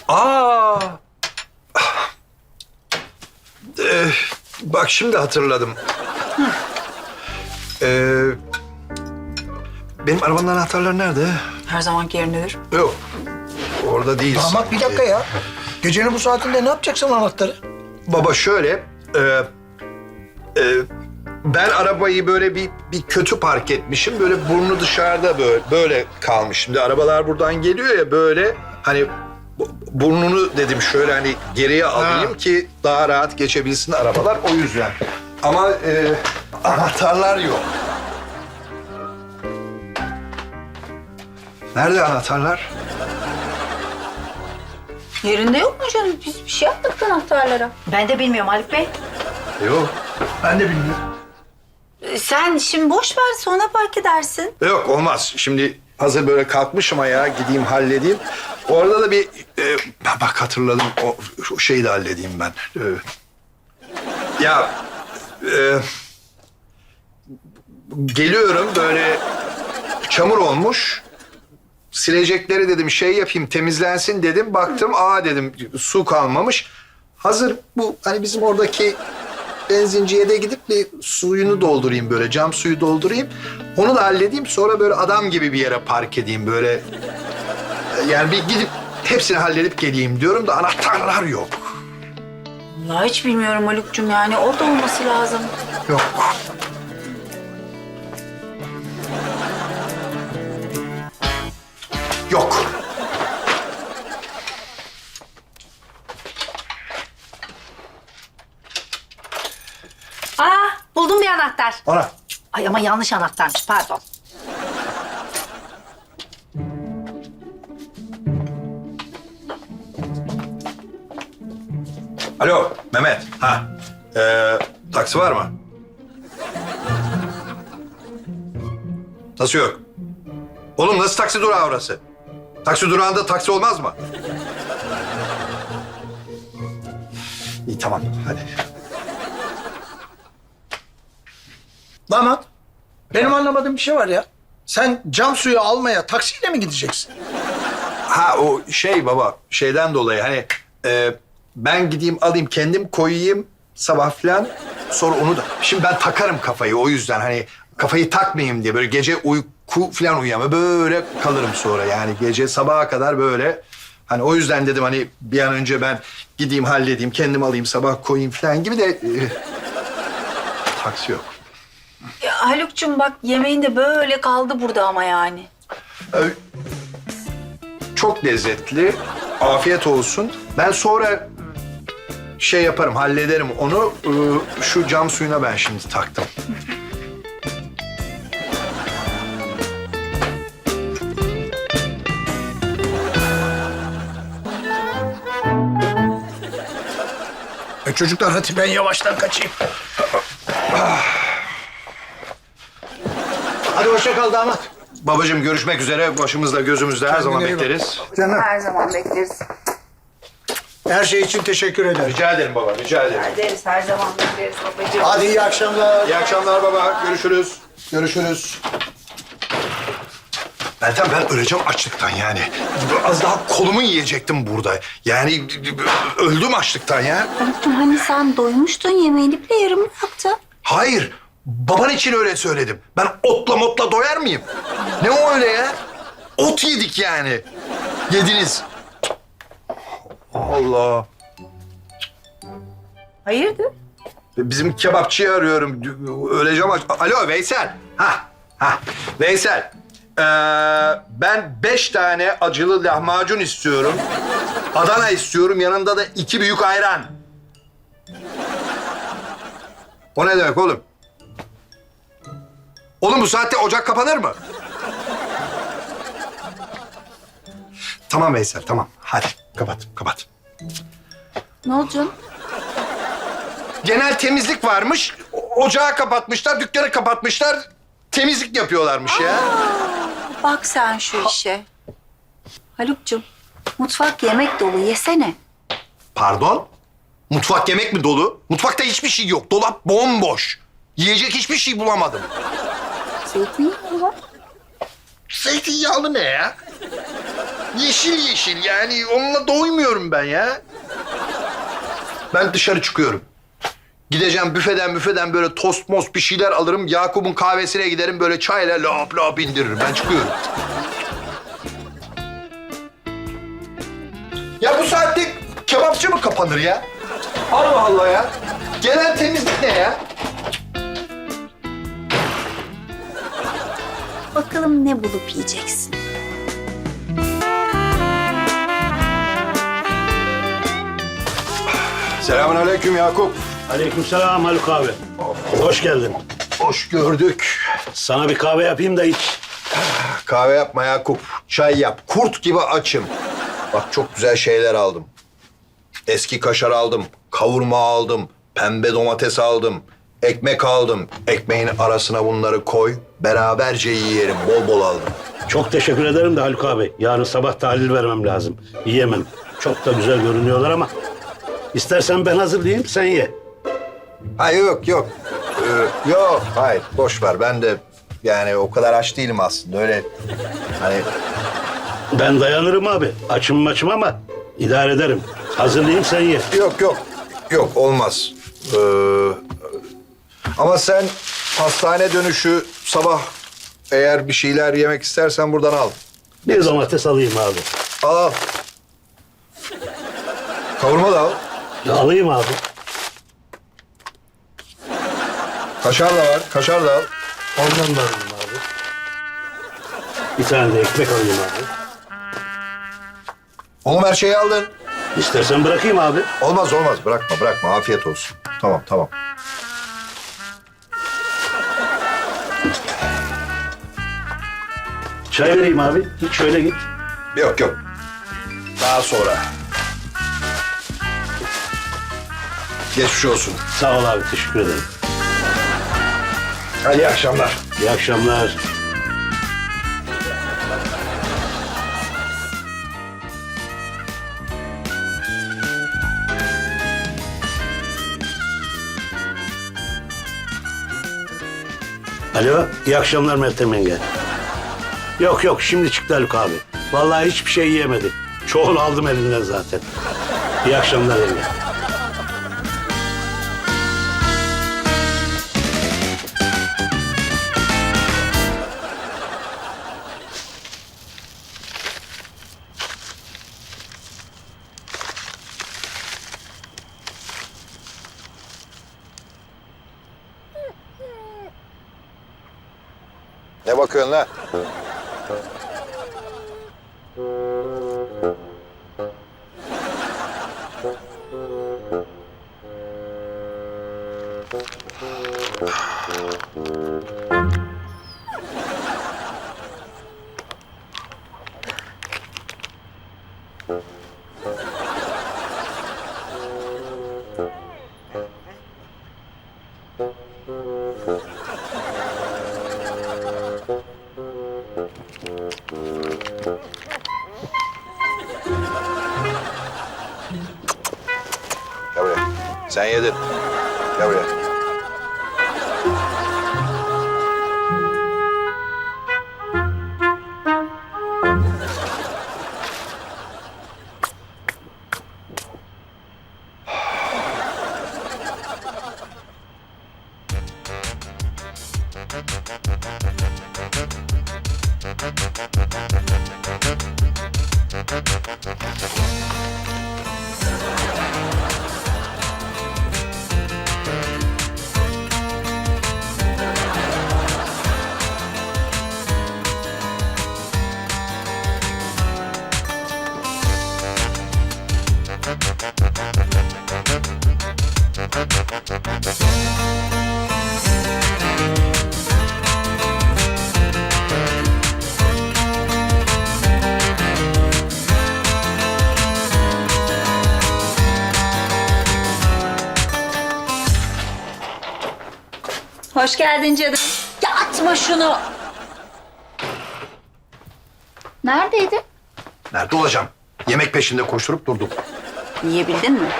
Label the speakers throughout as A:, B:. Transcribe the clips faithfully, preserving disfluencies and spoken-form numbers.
A: Aa! Ee, bak şimdi hatırladım. Ee, benim arabanın anahtarları nerede?
B: Her zamanki yerindedir.
A: Yok. Orada değil.
C: Damat bir dakika ya. Gecenin bu saatinde ne yapacaksın anahtarı?
A: Baba şöyle, e, e, ben arabayı böyle bir bir kötü park etmişim. Böyle burnu dışarıda böyle böyle kalmış. Şimdi arabalar buradan geliyor ya böyle hani bu- burnunu dedim şöyle hani geriye alayım
C: Ha.
A: ki daha rahat geçebilsin arabalar o yüzden. Ama e, anahtarlar yok. Nerede anahtarlar?
B: Yerinde yok mu canım? Biz bir şey yaptık anahtarlara.
D: Ben de bilmiyorum Haluk Bey.
A: Yok.
C: Ben de bilmiyorum.
B: Ee, Sen şimdi boş ver sonra park edersin.
A: Yok olmaz. Şimdi hazır böyle kalkmışım ayağa gideyim halledeyim. Orada da bir e, bak hatırladım o, o şeyi de halledeyim ben. E, ya e, geliyorum böyle çamur olmuş. Silecekleri dedim şey yapayım temizlensin dedim. Baktım aa dedim su kalmamış. Hazır bu hani bizim oradaki benzinciye de gidip bir suyunu doldurayım böyle cam suyu doldurayım. Onu da halledeyim sonra böyle adam gibi bir yere park edeyim böyle. Yani bir gidip hepsini halledip geleyim diyorum da anahtarlar yok.
B: Vallahi hiç bilmiyorum Haluk'cum yani orada olması lazım.
A: Yok. Yok.
D: Aa, buldum bir anahtar.
A: Ana.
D: Ay ama yanlış anahtarmış, pardon.
A: Alo Mehmet. Ha. Ee, taksi var mı? Nasıl yok? Oğlum nasıl taksi durağı orası? Taksi durağında taksi olmaz mı? İyi tamam hadi.
C: Damat, benim anlamadığım bir şey var ya. Sen cam suyu almaya taksiyle mi gideceksin?
A: Ha o şey baba şeyden dolayı hani e, ben gideyim alayım kendim koyayım sabah falan sonra onu da şimdi ben takarım kafayı o yüzden hani kafayı takmayayım diye böyle gece uyku falan uyuyamam böyle kalırım sonra yani gece sabaha kadar böyle hani o yüzden dedim hani bir an önce ben gideyim halledeyim kendim alayım sabah koyayım falan gibi de e, taksi yok.
B: Ya Haluk'cum bak yemeğin de böyle kaldı burada ama yani.
A: Ee, Çok lezzetli. Afiyet olsun. Ben sonra şey yaparım, hallederim onu. Ee, Şu cam suyuna ben şimdi taktım.
C: E çocuklar hadi ben yavaştan kaçayım. Hadi hoşça kal damat.
A: Babacığım görüşmek üzere. Başımızda gözümüzde her zaman
C: iyi bak.
A: bekleriz.
C: Canım.
B: Her zaman bekleriz.
C: Her şey için teşekkür ederim.
A: Rica ederim baba, rica ederim.
B: Ederiz her zaman bekleriz babacığım.
C: Hadi iyi akşamlar.
A: İyi akşamlar baba. Görüşürüz. Görüşürüz. Meltem ben öleceğim açlıktan yani. Az daha kolumu yiyecektim burada. Yani öldüm açlıktan ya.
B: Haluk'cum hani sen doymuştun yemeğini bile yarım bıraktın.
A: Hayır. Baban için öyle söyledim. Ben otla motla doyar mıyım? Ne o öyle ya? Ot yedik yani. Yediniz. Allah.
B: Hayırdır?
A: Bizim kebapçıyı arıyorum. Öleceğim aç. Alo Veysel. Ha, ha. Veysel. Ee, ben beş tane acılı lahmacun istiyorum. Adana istiyorum. Yanında da iki büyük ayran. O ne demek oğlum? Oğlum bu saatte ocak kapanır mı? Tamam Veysel, tamam. Hadi kapat, kapat.
B: Ne oldu canım?
A: Genel temizlik varmış. o- Ocağı kapatmışlar, dükkanı kapatmışlar. Temizlik yapıyorlarmış ya.
B: Bak sen şu işe. Haluk'cum mutfak yemek dolu yesene.
A: Pardon? Mutfak yemek mi dolu? Mutfakta hiçbir şey yok. Dolap bomboş. Yiyecek hiçbir şey bulamadım.
B: Zeytinyağı var.
A: Zeytinyağlı ne ya? yeşil yeşil yani onunla doymuyorum ben ya. Ben dışarı çıkıyorum. Gideceğim büfeden büfeden böyle tost most bir şeyler alırım. Yakup'un kahvesine giderim böyle çayla lap lap indiririm. Ben çıkıyorum. Ya bu saatte kebapçı mı kapanır ya? Allah Allah ya. Gelen temizlik ne ya?
B: Bakalım ne bulup yiyeceksin.
A: Selamünaleyküm Yakup.
E: Aleykümselam Haluk abi. Hoş geldin.
A: Hoş gördük.
E: Sana bir kahve yapayım da iç.
A: Kahve yapma Yakup. Çay yap. Kurt gibi açım. Bak çok güzel şeyler aldım. Eski kaşar aldım. Kavurma aldım. Pembe domates aldım. Ekmek aldım. Ekmeğin arasına bunları koy. Beraberce yiyelim. Bol bol aldım.
E: Çok teşekkür ederim de Haluk abi. Yarın sabah tahlil vermem lazım. Yiyemem. Çok da güzel görünüyorlar ama. İstersen ben hazırlayayım, sen ye.
A: Hayır yok yok. Ee, yok hayır boş ver. Ben de yani o kadar aç değilim aslında. Öyle hani
E: Ben dayanırım abi. Açım maçım ama idare ederim. Hazırlayayım, sen ye.
A: yok yok. Yok olmaz. Ee, ama sen hastane dönüşü sabah eğer bir şeyler yemek istersen buradan al.
E: Bir domates alayım abi.
A: Al al. Kavurma da al.
E: Ya alayım abi.
A: Kaşar da var. Kaşar da al.
E: Ondan da alayım abi. Bir tane de ekmek alayım abi.
A: Oğlum her şeyi aldın.
E: İstersen bırakayım abi.
A: Olmaz olmaz. Bırakma bırakma. Afiyet olsun. Tamam tamam.
E: Çay vereyim abi. Hiç şöyle git.
A: Yok yok. Daha sonra. Geçmiş olsun.
E: Sağ ol abi, teşekkür ederim.
A: Hadi iyi akşamlar.
E: İyi akşamlar. Alo, iyi akşamlar Meltem yenge. Yok yok, şimdi çıktı Haluk abi. Vallahi hiçbir şey yiyemedi. Çoğunu aldım elinden zaten. İyi akşamlar yenge.
A: Ne bakıyorsun lan? Gel buraya. Sen yedin. Gel buraya.
B: Hoş geldin canım. Ya atma şunu. Neredeydin?
A: Nerede olacağım? Yemek peşinde koşturup durdum.
B: Yiyebildin mi?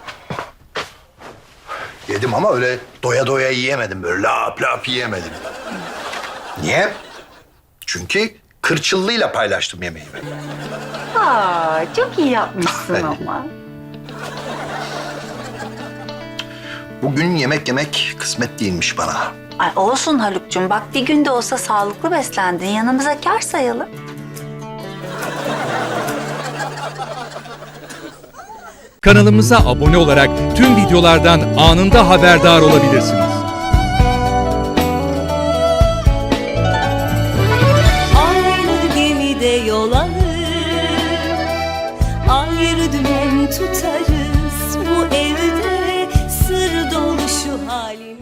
A: Yedim ama öyle doya doya yiyemedim. Böyle lap lap yiyemedim. Niye? Çünkü kırçıllıyla paylaştım yemeğimi.
B: Aa, çok iyi yapmışsın ama.
A: Bugün yemek yemek kısmet değilmiş bana.
B: Ay olsun Haluk'cum. Bak bir günde olsa sağlıklı beslendin. Yanımıza kâr sayalım.
F: Kanalımıza abone olarak tüm videolardan anında haberdar olabilirsiniz.
G: Aynı gemide yol alır, ayrı dümen tutarız. Bu evde sır dolu şu halimiz.